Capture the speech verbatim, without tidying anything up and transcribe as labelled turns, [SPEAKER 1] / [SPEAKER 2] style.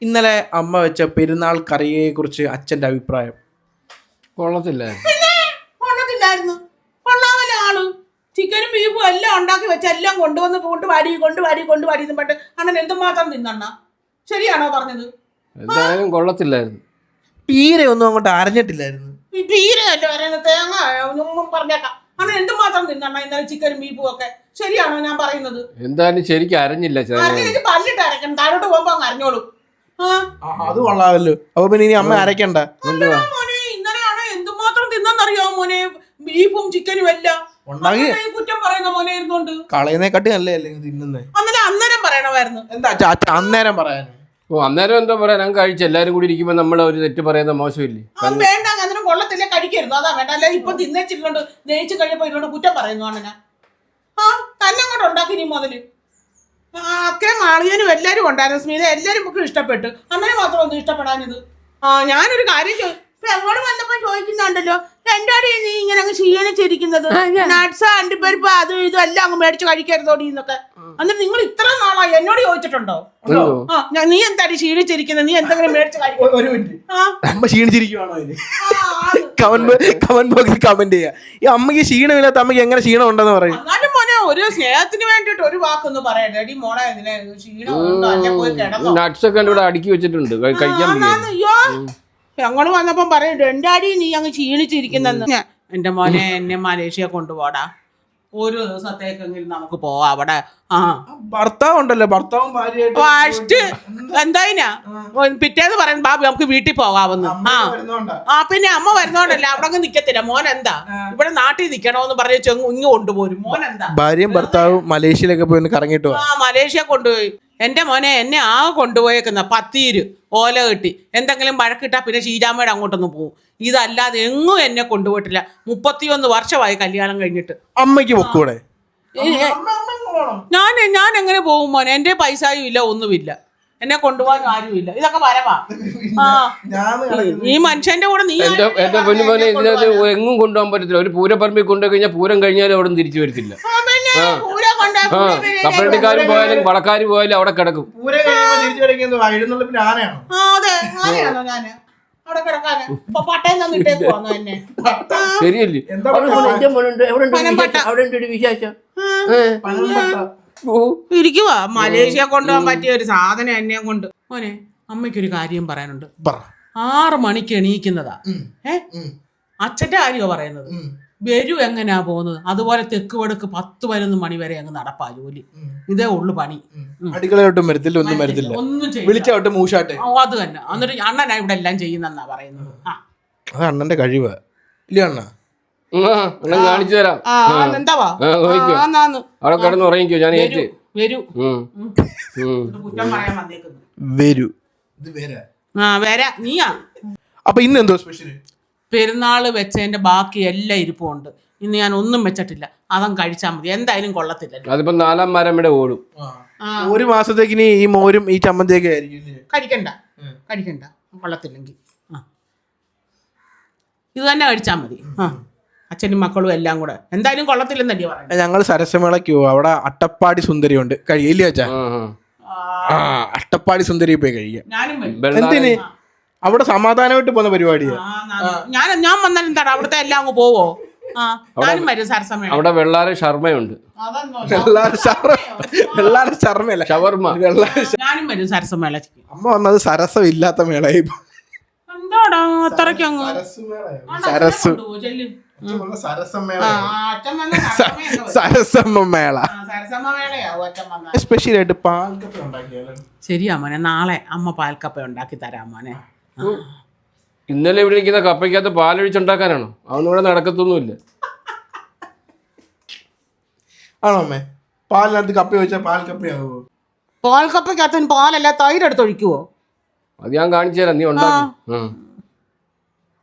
[SPEAKER 1] ഇന്നലെ അമ്മ വെച്ച പെരുന്നാൾ കറിയെ കുറിച്ച് അച്ഛന്റെ അഭിപ്രായം.
[SPEAKER 2] കൊള്ളത്തില്ല.
[SPEAKER 3] കൊള്ളത്തില്ലായിരുന്നു. കൊള്ളാമല്ല ആള്. ചിക്കനും ബീഫും എല്ലാം ഉണ്ടാക്കി വെച്ച എല്ലാം കൊണ്ടുവന്ന് കൊണ്ടുവാരി കൊണ്ടുവാരി കൊണ്ടുവാരി പണ്ട് അണ്ണൻ എന്തുമാത്രം തിന്നണ്ണ. ശരിയാണോ പറഞ്ഞത്?
[SPEAKER 2] എന്തായാലും കൊള്ളത്തില്ലായിരുന്നു.
[SPEAKER 1] തീരെ ഒന്നും അങ്ങോട്ട് അരഞ്ഞിട്ടില്ലായിരുന്നു.
[SPEAKER 3] തീരെ അല്ലേ പറയുന്നത്. തേങ്ങ ഒന്നും പറഞ്ഞേക്കാം. അണ്ണൻ എന്തുമാത്രം തിന്നണ്ണ ഇന്നലെ ചിക്കനും ബീഫും ഒക്കെ. ശരിയാണോ ഞാൻ പറയുന്നത്?
[SPEAKER 2] എന്തായാലും ശരിക്കും അരഞ്ഞില്ല.
[SPEAKER 3] അരഞ്ഞിട്ട് പല്ലിട്ട് അരക്കണം. താഴോട്ട് പോകുമ്പോ അങ്ങ് അരഞ്ഞോളൂ.
[SPEAKER 1] അത് കൊള്ളാമല്ലോ. അപ്പൊ പിന്നെ ഇനി അമ്മ അരക്കണ്ട.
[SPEAKER 3] മോനെ ഇന്നലെയാണ് എന്തുമാത്രം തിന്നറിയാവോ മോനെ? ബീഫും ചിക്കനും എല്ലാം കുറ്റം പറയുന്ന മോനെ ഇരുന്നോണ്ട്
[SPEAKER 1] കളയുന്നേക്കാട്ടി നല്ലതല്ലേ തിന്നുന്നേ?
[SPEAKER 3] അന്നേരം അന്നേരം പറയണമായിരുന്നു.
[SPEAKER 1] എന്താ അന്നേരം പറയാൻ?
[SPEAKER 2] ഓ അന്നേരം എന്താ പറയാ, ഞാൻ കഴിച്ചു. എല്ലാരും കൂടി ഇരിക്കുമ്പോ നമ്മളെ ഒരു തെറ്റ് പറയുന്ന മോശമില്ലേ?
[SPEAKER 3] വേണ്ട, അന്നേരം കൊള്ളത്തില്ല, കഴിക്കരുത്. അതാ വേണ്ട. അല്ലെ ഇപ്പൊ തിന്നേച്ചിട്ടുണ്ട്, നെയ്ച്ച് കഴിഞ്ഞപ്പോ ഇതിനോട് കുറ്റം പറയുന്നു അണ്ണന. ആ തന്നെ അങ്ങോട്ട് ഉണ്ടാക്കി നീ മുതല്. ഒക്കെ മാളിയനും എല്ലാരും ഉണ്ടായിരുന്നു. സ്മിത എല്ലാരും നമുക്ക് ഇഷ്ടപ്പെട്ടു. അമ്മനെ മാത്രം ഒന്നും ഇഷ്ടപ്പെടാനിത്. ആ ഞാനൊരു കാര്യം അങ്ങോട്ട് വന്നപ്പോ ചോദിക്കുന്നുണ്ടല്ലോ, എന്താടി നീ ഇങ്ങനെ അങ്ങ് ക്ഷീണിച്ചിരിക്കുന്നത്? നട്സ് അണ്ടിപ്പരിപ്പ് അതും ഇതും എല്ലാം അങ്ങ് മേടിച്ച് കഴിക്കരുതോടി എന്നൊക്കെ. എന്നിട്ട് നിങ്ങൾ ഇത്ര നാളായി എന്നോട് ചോദിച്ചിട്ടുണ്ടോ? ആ നീ എന്താടി ക്ഷീണിച്ചിരിക്കുന്നത്? നീ എന്തെങ്കിലും മേടിച്ച് കഴിക്കും?
[SPEAKER 1] ഒരു മിനിറ്റ്, അമ്മ ക്ഷീണിച്ചിരിക്കുവാണോ? കമന്റ് ബോക്സിൽ കമന്റ് ചെയ്യാ. ഈ അമ്മക്ക് ക്ഷീണമില്ലാത്ത അമ്മക്ക് എങ്ങനെ ക്ഷീണം ഉണ്ടെന്ന് പറയും.
[SPEAKER 3] എന്നാലും മോനെ ഒരു സ്നേഹത്തിന് വേണ്ടിട്ട് ഒരു വാക്കൊന്ന് പറയട്ടെ. എടി മോളെ ക്ഷീണം ഉണ്ടോ? അല്ലെ പോയി കിടന്നോ?
[SPEAKER 2] നട്സ് ഒക്കെ ഇവിടെ അടുക്കി വെച്ചിട്ടുണ്ട്, കഴിക്കാൻ.
[SPEAKER 3] അയ്യോ ഞങ്ങള് വന്നപ്പം പറയട്ടെ, എന്റെ അടി നീ അങ്ങ് ക്ഷീണിച്ചിരിക്കുന്നെന്ന്. എന്റെ മോനെ എന്നെ മലേഷ്യ കൊണ്ടുപോടാ, ഒരു ദിവസത്തേക്കെങ്കിലും നമുക്ക് പോവാ അവിടെ. ആ
[SPEAKER 1] ഭർത്താവ് ഉണ്ടല്ലോ, ഭർത്താവും
[SPEAKER 3] ഫസ്റ്റ് എന്തായിനാ പിറ്റേന്ന് പറയുന്നത് ബാബു നമുക്ക് വീട്ടിൽ പോകാമെന്ന്. ആ ആ പിന്നെ അമ്മ വരുന്നോണ്ടല്ലേ അവിടെ അങ്ങ് നിക്കത്തില്ല. മോൻ എന്താ ഇവിടെ നാട്ടിൽ നിക്കണോന്ന് പറഞ്ഞ് ചെങ്ങ് ഇങ്ങ് കൊണ്ടുപോരും. മോൻ എന്താ
[SPEAKER 1] ഭാര്യയും ഭർത്താവും മലേഷ്യയിലൊക്കെ പോയി കറങ്ങിട്ട്
[SPEAKER 3] ആ മലേഷ്യ കൊണ്ടുപോയി. എന്റെ മോനെ എന്നെ ആ കൊണ്ടുപോയേക്കുന്ന പത്തീര് ഓല കെട്ടി എന്തെങ്കിലും വഴക്കിട്ടാ പിന്നെ ഷീജാമ്മയുടെ അങ്ങോട്ടൊന്ന് പോകും. ഇതല്ലാതെ എങ്ങും എന്നെ കൊണ്ടുപോയിട്ടില്ല. മുപ്പത്തിയൊന്ന് വർഷമായി കല്യാണം കഴിഞ്ഞിട്ട്.
[SPEAKER 1] അമ്മയ്ക്ക് പൊക്കൂടെ?
[SPEAKER 3] ഞാൻ ഞാൻ എങ്ങനെ പോകും മോനെ? എന്റെ പൈസയും ഇല്ല, ഒന്നുമില്ല. എന്നെ കൊണ്ടുപോകാൻ ആരുമില്ല. ഇതൊക്കെ വരവാ. ആ ഈ മനുഷ്യന്റെ കൂടെ നീ
[SPEAKER 2] എന്റെ പൊന്നു മോനെ ഇതിനകത്ത് എങ്ങും കൊണ്ടുപോകാൻ പറ്റത്തില്ല. ഒരു പൂരപ്പറമ്പിൽ കൊണ്ടുപോയി കഴിഞ്ഞാൽ പൂരം കഴിഞ്ഞാലും അവിടെ തിരിച്ചു വരത്തില്ല. കപ്പലണ്ടിക്കാരും പോയാലും വളക്കാര് പോയാലും അവിടെ കിടക്കും. ശരിയല്ലേ?
[SPEAKER 3] ഇരിക്കുവാ. മലേഷ്യ കൊണ്ടുപോകാൻ പറ്റിയ ഒരു സാധനം എന്നെ കൊണ്ട്. മോനെ അമ്മയ്ക്കൊരു കാര്യം പറയാനുണ്ട്. ആറ് മണിക്ക് എണീക്കുന്നതാ. ഏ അച്ഛന്റെ കാര്യമോ പറയുന്നത്? വരൂ എങ്ങനെയാ പോകുന്നത്? അതുപോലെ തെക്ക് വടക്ക് പത്ത് പതിനൊന്ന് മണി വരെ അങ്ങ് നടപ്പാ ജോലി. ഇതേ ഉള്ളു പണി.
[SPEAKER 1] അടുക്കളയോട്ടും വരത്തില്ല, ഒന്നും വരത്തില്ല,
[SPEAKER 3] ഒന്നും
[SPEAKER 1] വിളിച്ചോട്ട് മൂഷാട്ടെ.
[SPEAKER 3] അത് തന്നെ. എന്നിട്ട് അണ്ണനാ ഇവിടെ എല്ലാം ചെയ്യുന്നെന്നാ പറയുന്നത്.
[SPEAKER 1] അത് അണ്ണന്റെ കഴിവ് ഇല്ല അണ്ണ?
[SPEAKER 2] കാണിച്ചു തരാം. അവിടെ കിടന്ന് ഉറങ്ങിക്കോ. ഞാൻ ഏറ്റു
[SPEAKER 3] വരൂ
[SPEAKER 1] വരൂ
[SPEAKER 3] ആ വരാ നീയാ.
[SPEAKER 1] അപ്പൊ ഇന്ന് എന്തോ സ്പെഷ്യൽ?
[SPEAKER 3] പെരുന്നാള് വെച്ചതിന്റെ ബാക്കി എല്ലാം ഇരിപ്പുണ്ട്. ഇന്ന് ഞാൻ ഒന്നും വെച്ചിട്ടില്ല. അതം കഴിച്ചാൽ മതി. എന്തായാലും കൊള്ളത്തില്ല.
[SPEAKER 2] അതിപ്പോ നാലാം മരം ഇവിടെ ഓടും.
[SPEAKER 1] ഒരു മാസത്തേക്ക് ഇനി ഈ മോരും ഈ ചമ്മന്തിയൊക്കെ ആയിരിക്കും.
[SPEAKER 3] കഴിക്കണ്ട കഴിക്കണ്ട കൊള്ളത്തില്ലെങ്കിൽ ആ ഇത് തന്നെ കഴിച്ചാൽ മതി. ആ അച്ഛനും മക്കളും എല്ലാം കൂടെ. എന്തായാലും കൊള്ളത്തില്ലെന്നല്ലേ പറയാം.
[SPEAKER 1] ഞങ്ങൾ സരസമേളയ്ക്ക് പോവും. അവിടെ അട്ടപ്പാടി സുന്ദരി ഉണ്ട്, കഴിയില്ല അച്ഛാ? ആ അട്ടപ്പാടി സുന്ദരി പോയി കഴിക്കാം. എന്തിന്? അവിടെ സമാധാനമായിട്ട് പോകുന്ന പരിപാടിയാ.
[SPEAKER 3] ഞാൻ ഞാൻ വന്നാൽ എന്താണ് അവിടുത്തെ എല്ലാം അങ്ങ് പോവോ? ഞാനും വരും സരസമേള.
[SPEAKER 2] അവിടെ വെള്ളാര ശർമ്മയുണ്ട്.
[SPEAKER 3] ഞാനും വരും സരസമേള.
[SPEAKER 1] അമ്മ വന്നത് സരസം ഇല്ലാത്ത മേളയായി.
[SPEAKER 3] എന്താടാ അത്രയ്ക്ക് അങ്ങ്
[SPEAKER 1] സരസ് സരസമ്മ മേള സ്പെഷ്യൽ ആയിട്ട് പാൽക്കപ്പ ഉണ്ടാക്കിയാലോ?
[SPEAKER 3] ശരിയാ മോനെ, നാളെ അമ്മ പാൽക്കപ്പ ഉണ്ടാക്കി തരാം മോനെ.
[SPEAKER 2] ഇന്നലെ ഇവിടെ ഇരിക്കുന്ന കപ്പയ്ക്കകത്ത് പാലൊഴിച്ചുണ്ടാക്കാനാണോ? അതൊന്നും ഇവിടെ നടക്കത്തൊന്നുമില്ല.
[SPEAKER 1] ആണോ അമ്മേ? പാലിനകത്ത് കപ്പ വെച്ചാൽ പാൽക്കപ്പയാവോ?
[SPEAKER 3] പാൽക്കപ്പയ്ക്കകത്ത് പാലല്ല തൈര് എടുത്തൊഴിക്കുവോ?
[SPEAKER 2] അത് ഞാൻ കാണിച്ചു തരാം, നീ ഉണ്ടാക്കി.